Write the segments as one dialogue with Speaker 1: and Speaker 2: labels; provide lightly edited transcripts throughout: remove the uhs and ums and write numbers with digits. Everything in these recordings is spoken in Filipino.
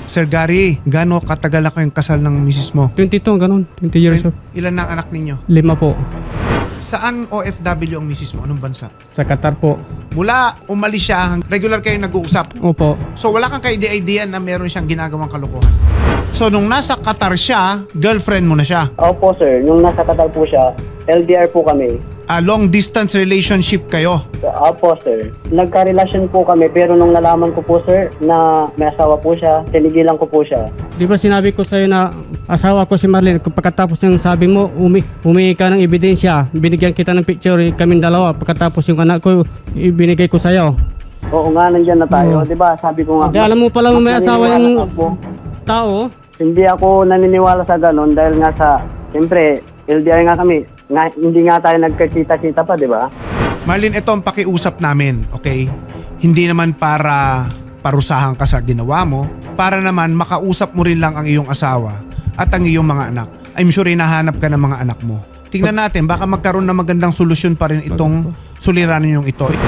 Speaker 1: Sir Gary, gaano katagal na kayong kasal ng misis mo?
Speaker 2: 22, ganun. 20 years old.
Speaker 1: Ilan na ang anak ninyo?
Speaker 2: 5 po.
Speaker 1: Saan OFW ang misis mo? Anong bansa?
Speaker 2: Sa Qatar po.
Speaker 1: Mula umalis siya, regular kayong nag-uusap.
Speaker 2: Opo.
Speaker 1: So wala kang ka-idea na meron siyang ginagawang kalokohan. So nung nasa Qatar siya, girlfriend mo na siya.
Speaker 3: Opo sir, nung nasa Qatar po siya, LDR po kami.
Speaker 1: Long distance relationship kayo.
Speaker 3: Opo sir, nagka-relasyon po kami pero nung nalaman ko po sir na may asawa po siya, tinigilan ko po siya.
Speaker 2: Di ba sinabi ko sa'yo na asawa ko si Marlene, pagkatapos yung sabi mo, humingi ka ng ebidensya, binigyan kita ng picture, kaming dalawa, pagkatapos yung anak ko, ibinigay ko sa'yo.
Speaker 3: Oo nga, nandyan na tayo, di ba? Sabi ko nga.
Speaker 2: Di, alam mo palang may asawa yung tao.
Speaker 3: Hindi ako naniniwala sa ganun dahil nga sa, siyempre, LDR nga kami. Hindi nga tayo nagkakita-kita pa, di ba?
Speaker 1: Marlene, ito ang pakiusap namin, okay? Hindi naman para parusahan ka sa ginawa mo, para naman makausap mo rin lang ang iyong asawa at ang iyong mga anak. I'm sure hinahanap ka ng mga anak mo. Tingnan natin, baka magkaroon ng magandang solusyon pa rin itong suliranin yung ito.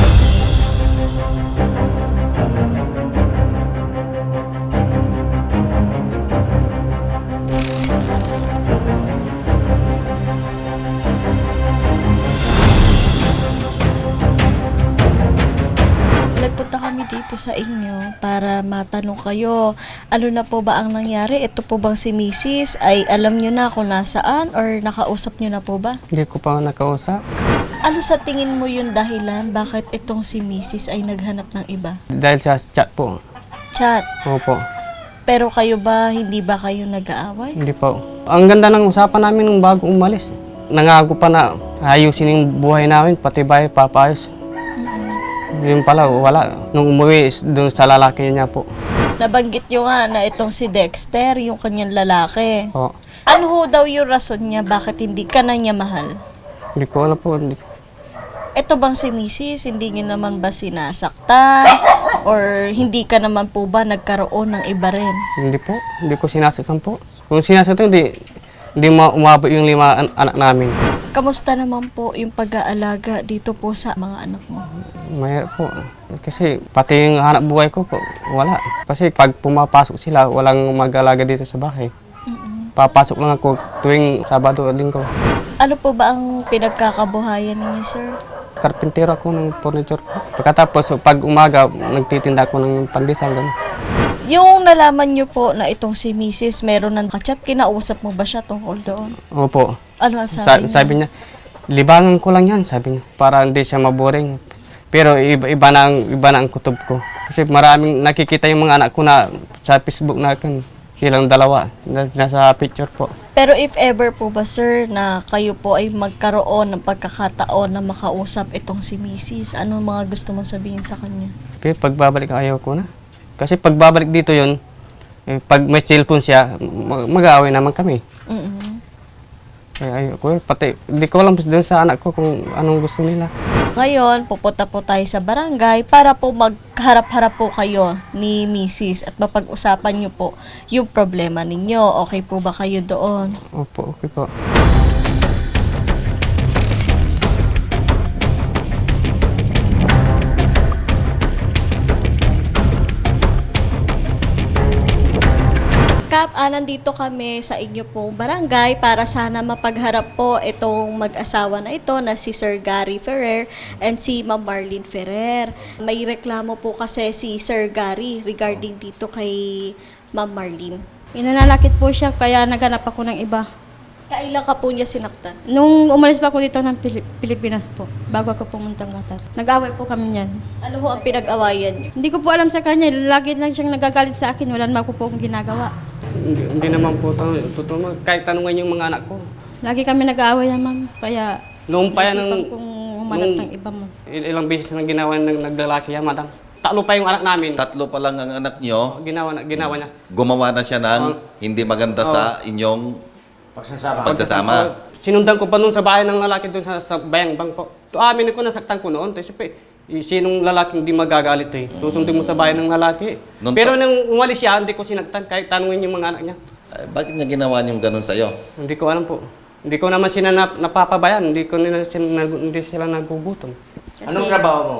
Speaker 4: Nagpunta kami dito sa inyo para matanong kayo, ano na po ba ang nangyari? Ito po bang si Mrs. ay alam nyo na kung nasaan or nakausap nyo na po ba?
Speaker 2: Hindi ko pa nakausap.
Speaker 4: Ano sa tingin mo yung dahilan bakit itong si Mrs. ay naghanap ng iba?
Speaker 2: Dahil sa chat po.
Speaker 4: Chat.
Speaker 2: Opo.
Speaker 4: Pero kayo ba, hindi ba kayo nag-aaway?
Speaker 2: Hindi po. Ang ganda ng usapan namin nung bago umalis. Nangako pa na ayusin yung buhay namin, pati bahay papayos. Yun pala, wala. Nung umuwi, doon sa lalaki niya po.
Speaker 4: Nabanggit nyo nga na itong si Dexter, yung kanyang lalaki.
Speaker 2: Oo.
Speaker 4: Ano ho daw yung rason niya bakit hindi ka na niya mahal?
Speaker 2: Hindi ko alam po.
Speaker 4: Ito bang si Mrs. hindi nyo naman ba sinasaktan? Or hindi ka naman po ba nagkaroon ng iba rin?
Speaker 2: Hindi po. Hindi ko sinasaktan po. Kung sinasaktan, hindi umabot yung 5 anak namin.
Speaker 4: Kamusta naman po yung pag-aalaga dito po sa mga anak mo?
Speaker 2: Mahirap po. Kasi pati yung hanap buhay ko po, wala. Kasi pag pumapasok sila, walang mag-alaga dito sa bahay. Papasok lang ako tuwing Sabado o Linggo.
Speaker 4: Ano po ba ang pinagkakabuhayan ninyo, sir?
Speaker 2: Karpintero ako ng furniture po. Pagkatapos, pag umaga, nagtitinda ako ng pandesal.
Speaker 4: Yung nalaman nyo po na itong si Mrs. meron ng kachat, kinausap mo ba siya tungkol doon?
Speaker 2: Opo.
Speaker 4: Ano ang sabi niya?
Speaker 2: Sabi niya, libangan ko lang yan, sabi niya, para hindi siya maboring. Pero iba na ang kutob ko. Kasi maraming nakikita yung mga anak ko na sa Facebook na silang dalawa, nasa picture po.
Speaker 4: Pero if ever po ba, sir, na kayo po ay magkaroon ng pagkakataon na makausap itong si Mrs., ano mga gusto mong sabihin sa kanya?
Speaker 2: Pero pagbabalik ayaw ko na. Kasi pagbabalik dito yon, pag may cellphone siya, mag-aaway naman kami. Kaya ayoko, pati hindi ko alam doon sa anak ko kung anong gusto nila.
Speaker 4: Ngayon, pupunta po tayo sa barangay para po magharap-harap po kayo ni Mrs. at mapag-usapan niyo po yung problema ninyo. Okay po ba kayo doon?
Speaker 2: Opo, okay po.
Speaker 4: Kap, nandito kami sa inyo pong barangay para sana mapagharap po itong mag-asawa na ito na si Sir Gary Ferrer and si Ma'am Marlene Ferrer. May reklamo po kasi si Sir Gary regarding dito kay Ma'am Marlene.
Speaker 5: Inanalakit po siya kaya naghanap ako ng iba.
Speaker 4: Kailan ka po niya sinaktan?
Speaker 5: Nung umalis pa ako dito ng Pilipinas po, bago ako pumuntang Qatar. Nag-away po kami niyan.
Speaker 4: Ano ho ang pinag-awayan niyo?
Speaker 5: Hindi ko po alam sa kanya, lagi lang siyang nagagalit sa akin, wala naman po akong ginagawa.
Speaker 2: Hindi naman po totoo. Kahit tanungan yung mga anak ko.
Speaker 5: Lagi kami nag-aaway yan, ma'am. Kaya
Speaker 2: Noong pa yan
Speaker 5: naisipan kong humanap ng iba mo.
Speaker 2: Ilang beses nang ginawa ng naglalaki yan, madam. Tatlo pa yung anak namin.
Speaker 6: Tatlo pa lang ang anak nyo,
Speaker 2: Ginawa niya.
Speaker 6: gumawa na siya ng hindi maganda sa inyong pagsasama.
Speaker 2: Sinundan ko pa noon sa bahay ng lalaki doon sa bayang bang po. Amin ko nasaktan ko noon. Kasi sinong lalaking di magagalit eh. Susundin mo sa bahay ng lalaki. Pero nung umalis siya, hindi ko sinaktan kahit tanungin yung mga anak niya.
Speaker 6: Bakit niya ginawa yung ganun sa'yo?
Speaker 2: Hindi ko alam po. Hindi ko naman sila napapabayan. Hindi sila nagugutom.
Speaker 7: Anong trabaho mo?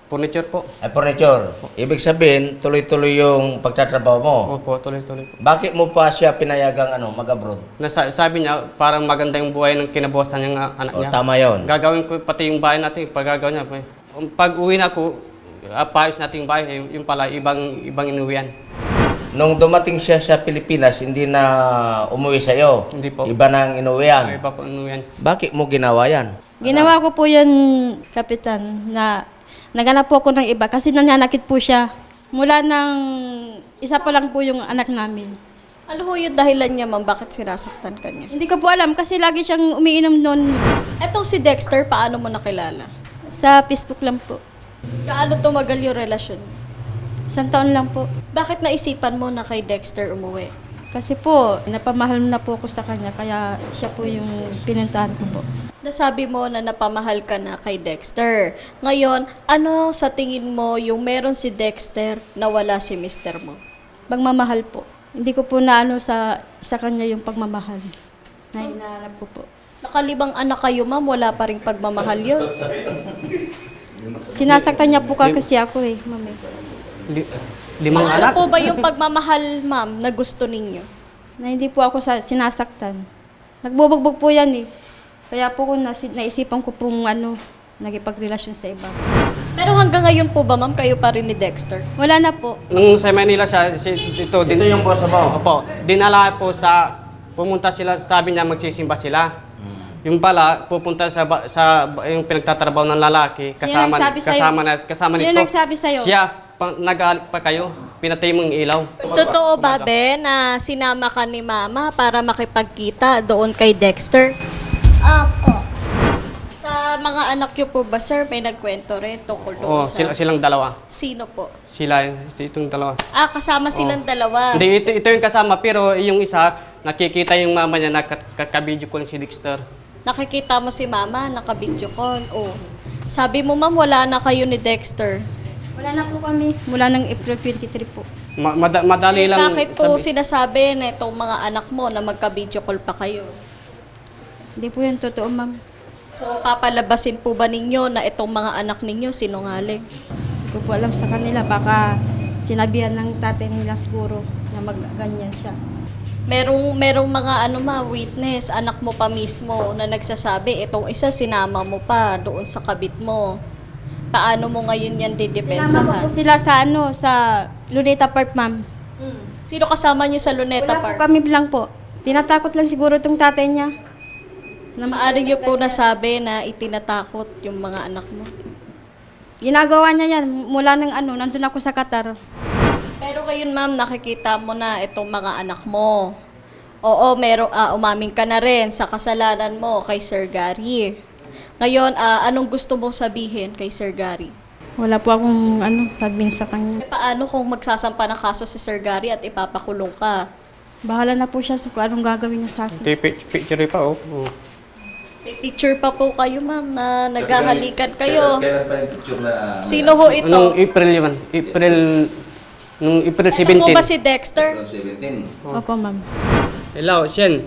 Speaker 2: Furniture po.
Speaker 7: Ay, furniture. Ibig sabihin, tuloy-tuloy yung pagtatrabaho mo.
Speaker 2: Opo, tuloy-tuloy po.
Speaker 7: Bakit mo pa siya pinayagang mag-abroad?
Speaker 2: Sabi niya, parang maganda yung buhay ng kinabosan ng anak
Speaker 7: O,
Speaker 2: niya.
Speaker 7: tama yon.
Speaker 2: Gagawin ko pati yung bahay natin, pag-gagawin niya. Pag uwi na ako, paayos natin yung bahay, yung pala, ibang inuwian.
Speaker 7: Nung dumating siya sa Pilipinas, hindi na umuwi sa'yo.
Speaker 2: Hindi po.
Speaker 7: Iba na ang inuwian.
Speaker 2: Iba po inuwian.
Speaker 7: Bakit mo ginawa yan?
Speaker 5: Ginawa ko po yan, Kapitan, na naganap po ako ng iba kasi nananakit po siya. Mula ng isa pa lang po yung anak namin.
Speaker 4: Ano ho yung dahilan niya, ma'am? Bakit sinasaktan ka niya?
Speaker 5: Hindi ko po alam kasi lagi siyang umiinom noon.
Speaker 4: Etong si Dexter, paano mo nakilala?
Speaker 5: Sa Facebook lang po.
Speaker 4: Gaano tumagal yung relasyon?
Speaker 5: 1 taon lang po.
Speaker 4: Bakit naisipan mo na kay Dexter umuwi?
Speaker 5: Kasi po, napamahal na po ako sa kanya, kaya siya po yung pinuntahan ko po.
Speaker 4: Nasabi mo na napamahal ka na kay Dexter. Ngayon, ano sa tingin mo yung meron si Dexter na wala si mister mo?
Speaker 5: Pagmamahal po. Hindi ko po naano sa kanya yung pagmamahal. Na hinahanap ko po.
Speaker 4: Nakalibang anak kayo, ma'am, wala pa rin pagmamahal yun.
Speaker 5: Sinasaktan niya po kasi ako ma'am.
Speaker 2: 5
Speaker 4: Ano
Speaker 2: anak.
Speaker 4: po ba yung pagmamahal, ma'am, na gusto ninyo?
Speaker 5: Na hindi po ako sinasaktan. Nagbubugbog po yan Kaya po naisipan ko pong nagipagrelasyon sa iba.
Speaker 4: Pero hanggang ngayon po ba, ma'am, kayo pa rin ni Dexter?
Speaker 5: Wala na po.
Speaker 2: Nung sa Manila siya, ito
Speaker 7: yung boss mo?
Speaker 2: Opo, dinala po pumunta sila, sabi niya magsisimba sila. Yung pala, pupunta sa yung pinagtatrabaho ng lalaki,
Speaker 5: Sino nagsabi sa'yo?
Speaker 2: kasama
Speaker 5: Sino
Speaker 2: nito.
Speaker 5: nagsabi sa'yo?
Speaker 2: Siya, nag-aalit pa kayo, pinatay mo yung ilaw.
Speaker 4: Totoo ba, Ben, na sinama ka ni Mama para makipagkita doon kay Dexter?
Speaker 8: Opo.
Speaker 4: Sa mga anak niyo po ba, sir, may nagkwento rin tungkol
Speaker 2: Oo,
Speaker 4: doon sa...
Speaker 2: silang dalawa.
Speaker 4: Sino po?
Speaker 2: Itong dalawa.
Speaker 4: Kasama silang dalawa.
Speaker 2: Hindi, ito yung kasama, pero yung isa, nakikita yung mama niya, nakabidyo ko si Dexter.
Speaker 4: Nakikita mo si Mama, naka-video call. Oh. Sabi mo, ma'am, wala na kayo ni Dexter.
Speaker 5: Wala na po kami. Mula ng April 23 po.
Speaker 2: Madali lang.
Speaker 4: Bakit po sinasabi na itong mga anak mo na magka-video call pa kayo?
Speaker 5: Hindi po yun totoo, ma'am.
Speaker 4: So, papalabasin po ba ninyo na itong mga anak ninyo sinungaling?
Speaker 5: Hindi ko po alam sa kanila. Baka sinabihan ng tatay nila siguro na magganyan siya.
Speaker 4: Merong mga witness, anak mo pa mismo na nagsasabi, itong isa sinama mo pa doon sa kabit mo. Paano mo ngayon yan
Speaker 5: Sinama ko
Speaker 4: didepensahan?
Speaker 5: po sila sa Luneta Park, ma'am.
Speaker 4: Sino kasama niyo sa Luneta
Speaker 5: Wala po
Speaker 4: Park?
Speaker 5: kami lang po. Tinatakot lang siguro itong tatay niya.
Speaker 4: Maaari niyo po nasabi na itinatakot yung mga anak mo.
Speaker 5: Ginagawa niya yan mula ng nandun ako sa Qatar.
Speaker 4: Pero ngayon, ma'am, nakikita mo na itong mga anak mo. Oo, umaming ka na rin sa kasalanan mo kay Sir Gary. Ngayon, anong gusto mong sabihin kay Sir Gary?
Speaker 5: Wala po akong sabihin sa kanya.
Speaker 4: Paano kung magsasampa ng kaso si Sir Gary at ipapakulong ka?
Speaker 5: Bahala na po siya sa kung anong gagawin niya sa akin.
Speaker 2: Picture pa, oh.
Speaker 4: May picture pa po kayo, ma'am, na naghahalikan kayo.
Speaker 6: Kailan pa yung picture na...
Speaker 4: Sino ho ito?
Speaker 2: Nung April yun. Nung April 17.
Speaker 4: Ito po ba si Dexter?
Speaker 6: 17.
Speaker 5: Opo, ma'am.
Speaker 2: Hello, Shen.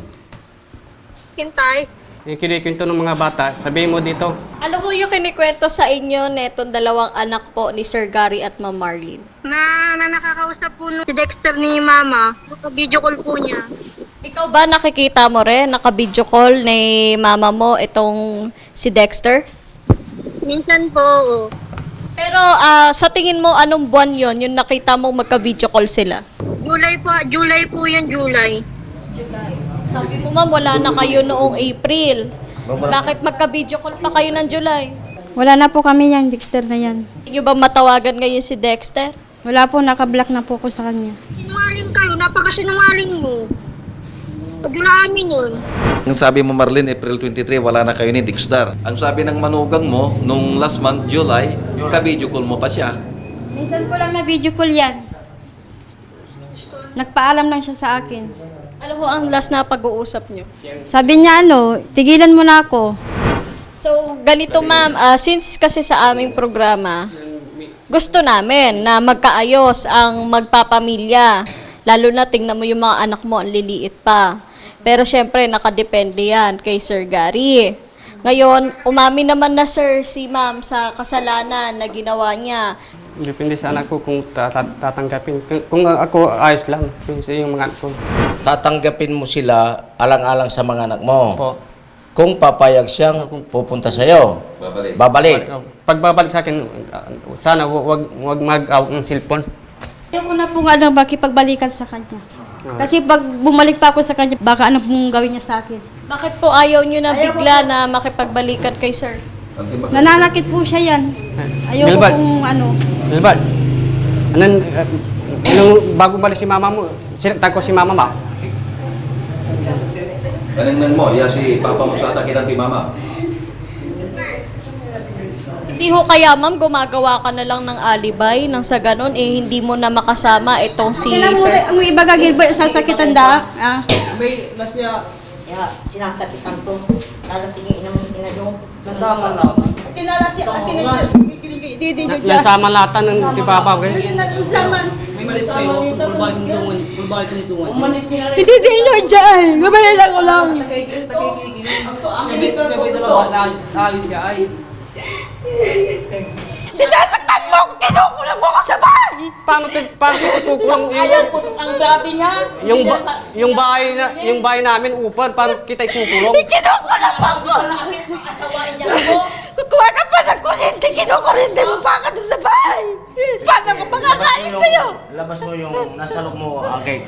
Speaker 8: Hintay.
Speaker 2: Yung kinikwento ng mga bata, sabihin mo dito.
Speaker 4: Ano po yung kinikwento sa inyo netong dalawang anak po ni Sir Gary at Ma'am Marlene?
Speaker 8: Na nakakausap po si Dexter ni Mama. Video call po niya.
Speaker 4: Ikaw ba nakikita mo rin, naka-video call ni mama mo itong si Dexter?
Speaker 8: Minsan po, oo.
Speaker 4: Pero sa tingin mo, anong buwan yon yung nakita mo magka-video call sila?
Speaker 8: July po yan, July.
Speaker 4: Sabi mo, ma'am, wala na kayo noong April. Bakit magka-video call pa kayo ng July?
Speaker 5: Wala na po kami yan, Dexter na yan.
Speaker 4: Hindi nyo ba matawagan ngayon si Dexter?
Speaker 5: Wala po, nakablock na po ko sa kanya.
Speaker 8: Sinungaling kayo, napakasinungaling mo. Paglaan yun.
Speaker 6: Ang sabi mo, Marlene, April 23, wala na kayo ni Dexter. Ang sabi ng manugang mo, nung last month, July, ka-video call mo pa siya.
Speaker 5: Minsan ko lang na video call yan. Nagpaalam lang siya sa akin.
Speaker 4: Ano ho ang last na pag-uusap nyo?
Speaker 5: Sabi niya tigilan mo na ako.
Speaker 4: So, ganito ma'am, since kasi sa aming programa, gusto namin na magkaayos ang magpapamilya. Lalo na tingnan mo yung mga anak mo, ang liliit pa. Pero syempre, nakadepende yan kay Sir Gary. Ngayon, umamin naman na sir si ma'am sa kasalanan na ginawa niya.
Speaker 2: Depende sa anak ko kung tatanggapin. Kung ako, ayos lang. Kung sa yung mga anak ko.
Speaker 7: Tatanggapin mo sila alang-alang sa mga anak mo.
Speaker 2: Po.
Speaker 7: Kung papayag siyang pupunta sa'yo, babalik.
Speaker 2: Pagbabalik sa akin, sana wag mag-out ng cellphone.
Speaker 5: Ayoko na po nga lang pagbalikan sa kanya. Kasi pag bumalik pa ako sa kanya, baka ano pong gawin niya sa akin.
Speaker 4: Bakit po ayaw niyo na bigla na makipagbalikan kay sir?
Speaker 5: Nananakit po siya yan. Ayoko
Speaker 2: Milbert.
Speaker 5: pong ano.
Speaker 2: Dilbert, bago balik si mama mo, sinaktan ko si mama ba?
Speaker 6: Anong mo? Si papa mo sasakitan ti mama.
Speaker 4: Hindi ho kaya ma'am, gumagawa ka na lang ng alibay nang sa ganon hindi mo na makasama itong si
Speaker 5: Kailan mo
Speaker 4: sir.
Speaker 5: ang iba Gilbert, sasakitan da. Ah.
Speaker 9: Kaya sinasakitan ko. Lalasing yung inadong.
Speaker 2: Nasama lang.
Speaker 5: Kilala si Didi nyo dyan.
Speaker 2: Nasama lata ng tipapa ko.
Speaker 5: Didi nyo dyan. Gabay lang ko lang. Sinasaktan mo ako, kinukulang mo ako sa bahay.
Speaker 2: Paano kukulang
Speaker 9: Ang grabe niya.
Speaker 2: yung bahay namin upad, paano kita ikukulong?
Speaker 5: Kinukulang mo ako.
Speaker 9: Asawain niya ako.
Speaker 5: Kukuha ka pa ng kuryente, kinukuryente mo pa ka doon sa bahay. Paano ko makakain sa'yo?
Speaker 7: Labas mo yung nasa loob mo, agay.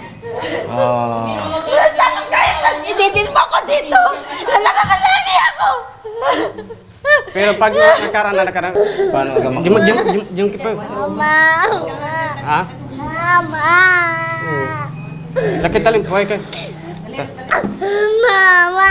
Speaker 5: Tapos kaya itidin mo ako dito. Nalakalagi ako.
Speaker 2: Pero pag nakaraan,
Speaker 7: Paano ka
Speaker 2: yung kipa. Ha?
Speaker 5: Mama.
Speaker 2: Laki talim po ka.
Speaker 5: Mama.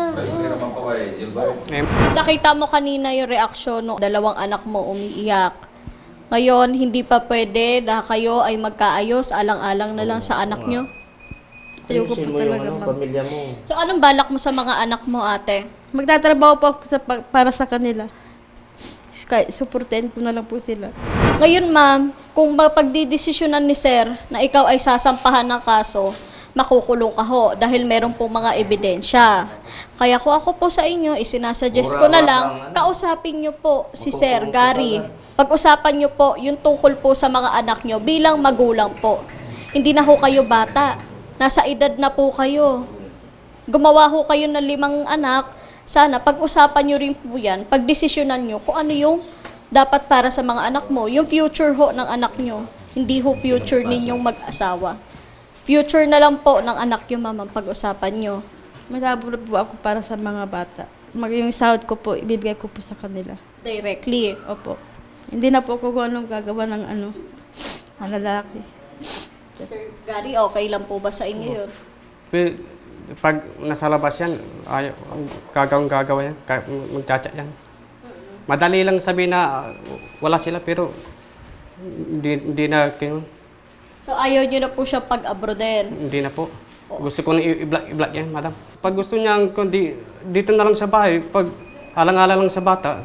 Speaker 4: Nakita mo kanina yung reaksyon ng dalawang anak mo umiiyak. Ngayon, hindi pa pwede na kayo ay magkaayos, alang-alang na lang sa anak nyo.
Speaker 5: Ayoko
Speaker 7: Ayusin
Speaker 5: po
Speaker 7: mo yung
Speaker 5: talaga, ma'am.
Speaker 7: pamilya mo.
Speaker 4: So, anong balak mo sa mga anak mo, ate?
Speaker 5: Magtatrabaho po ako para sa kanila. Kaya suportahin ko na lang po sila.
Speaker 4: Ngayon, ma'am, kung mapagdidesisyonan ni sir na ikaw ay sasampahan ng kaso, makukulong ka ho dahil meron pong mga ebidensya. Kaya kung ako po sa inyo, isinasuggest ko na lang, kausapin nyo po si Sir Gary. Pag-usapan nyo po yung tungkol po sa mga anak nyo bilang magulang po. Hindi na ho kayo bata. Nasa edad na po kayo. Gumawa ho kayo ng 5 anak. Sana pag-usapan nyo rin po yan, pag-desisyonan nyo kung ano yung dapat para sa mga anak mo. Yung future ho ng anak nyo. Hindi ho future ninyong mag-asawa. Future na lang po ng anak nyo, ma'am, ang pag-usapan nyo.
Speaker 5: Malabo po ako para sa mga bata. Yung sahod ko po, ibibigay ko po sa kanila.
Speaker 4: Directly.
Speaker 5: Opo. Hindi na po ako kung anong gagawa ng ang lalaki.
Speaker 4: Sir Gary, okay lang po ba sa inyo yun?
Speaker 2: Pero pag nasa labas yan, gagawin yan, magchat yan. Madali lang sabihin na wala sila pero hindi na
Speaker 4: So ayaw nyo na po siya pag-abroadin.
Speaker 2: hindi na po. Gusto ko na i-block yan, madam. Pag gusto niya, kundi dito na lang sa bahay, pag alang-alang lang sa bata.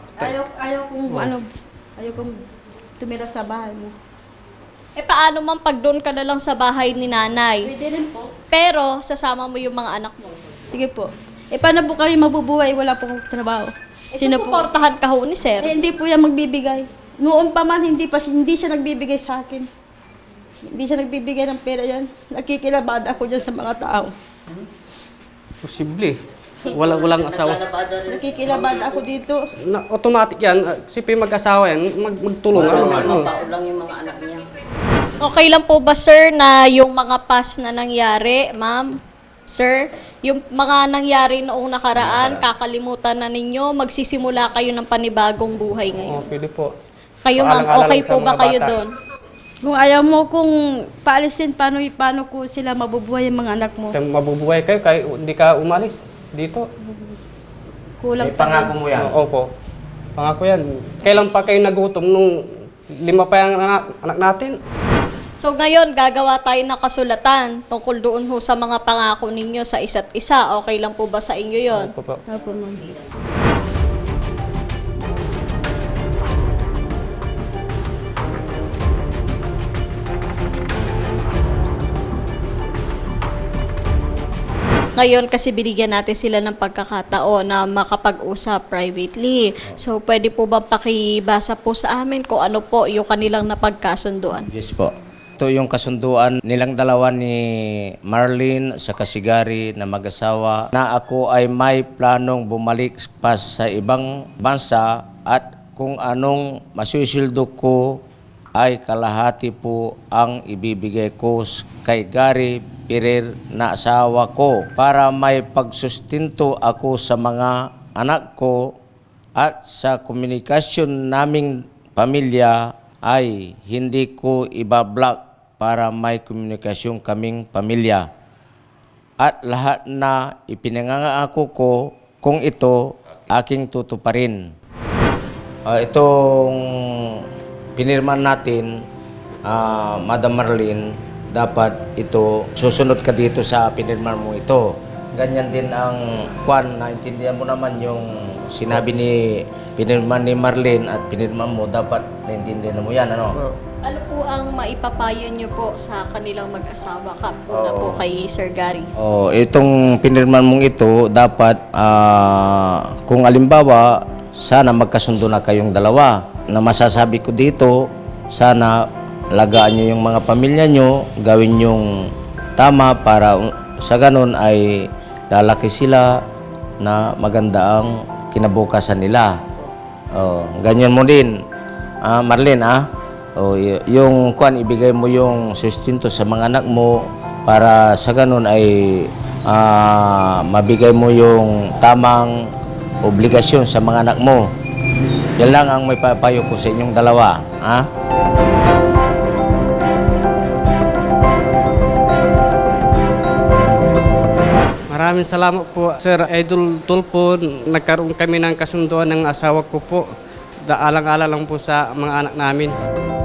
Speaker 5: Ayaw kong tumira sa bahay mo.
Speaker 4: Eh paano man pag doon ka na lang sa bahay ni nanay?
Speaker 5: Pwede rin po.
Speaker 4: Pero sasama mo yung mga anak mo.
Speaker 5: Sige po. Paano po kami mabubuhay? Wala po akong trabaho.
Speaker 4: Sino po? Susuportahan ka ho ni sir.
Speaker 5: Hindi po yan magbibigay. Noon pa man, hindi siya nagbibigay sa akin. Hindi siya nagbibigay ng pera yan. Nakikilabad ako dyan sa mga tao.
Speaker 2: Posible. Walang asawa.
Speaker 5: Nakikilabad ako dito.
Speaker 2: Automatic yan. Siyempre mag-asawa yan, magtulungan.
Speaker 9: Paulang yung mga anak niya.
Speaker 4: Okay lang po ba sir na yung mga past na nangyari, ma'am? Sir, yung mga nangyari noong nakaraan, kakalimutan na ninyo, magsisimula kayo ng panibagong buhay ngayon.
Speaker 2: Pwede po.
Speaker 4: Kayo ma'am,
Speaker 2: Paalang-alang
Speaker 4: okay
Speaker 2: sa
Speaker 4: po ba
Speaker 2: mga
Speaker 4: kayo
Speaker 2: bata.
Speaker 4: doon?
Speaker 5: Kung ayaw mo kung paalisin, paano ko sila mabubuhay yung mga anak mo?
Speaker 2: Mabubuhay kayo, hindi ka umalis dito.
Speaker 5: Kulang
Speaker 7: May pangako mo yan.
Speaker 2: Opo. Pangako yan. Kailan pa kayo nagutom nung 5 pa yung anak natin?
Speaker 4: So ngayon, gagawa tayo ng kasulatan tungkol doon ho sa mga pangako ninyo sa isa't isa. Okay lang po ba sa inyo yon?
Speaker 2: Opo po.
Speaker 5: Opo, ma'am.
Speaker 4: Ngayon kasi binigyan natin sila ng pagkakataon na makapag-usap privately. So pwede po ba pakibasa po sa amin kung ano po yung kanilang napagkasunduan?
Speaker 7: Yes po. Ito yung kasunduan nilang dalawa ni Marlene sa Kasigari na mag-asawa na ako ay may planong bumalik pa sa ibang bansa at kung anong masusildo ko ay kalahati po ang ibibigay ko kay Gary Ferrer na asawa ko para may pagsustinto ako sa mga anak ko at sa komunikasyon naming pamilya ay hindi ko ibablock para may komunikasyon kaming pamilya. At lahat na ipinangangako ko kung ito aking tutuparin. Itong pinirman natin, Madam Marlene, dapat ito, susunod ka dito sa pinirman mo ito. Ganyan din ang kwan, naintindihan mo naman yung sinabi ni pinirman ni Marlene at pinirman mo, dapat naintindihan mo yan, ano?
Speaker 4: Ano po ang maipapayo nyo po sa kanilang mag-asawa ka po na po kay Sir Gary?
Speaker 7: Itong pinirman mong ito, dapat kung alimbawa, sana magkasundo na kayong dalawa. Na masasabi ko dito, sana alagaan nyo yung mga pamilya nyo, gawin yung tama para sa ganun ay lalaki sila na maganda ang kinabukasan nila. Ganyan mo din, Marlene, yung kwan, ibigay mo yung sustento sa mga anak mo para sa ganun ay mabigay mo yung tamang obligasyon sa mga anak mo. Yan lang ang may papayo ko sa inyong dalawa.
Speaker 2: Maraming salamat po, Sir Idol Tulfo. Nagkaroon kami ng kasunduan ng asawa ko po. Daalang-ala lang po sa mga anak namin.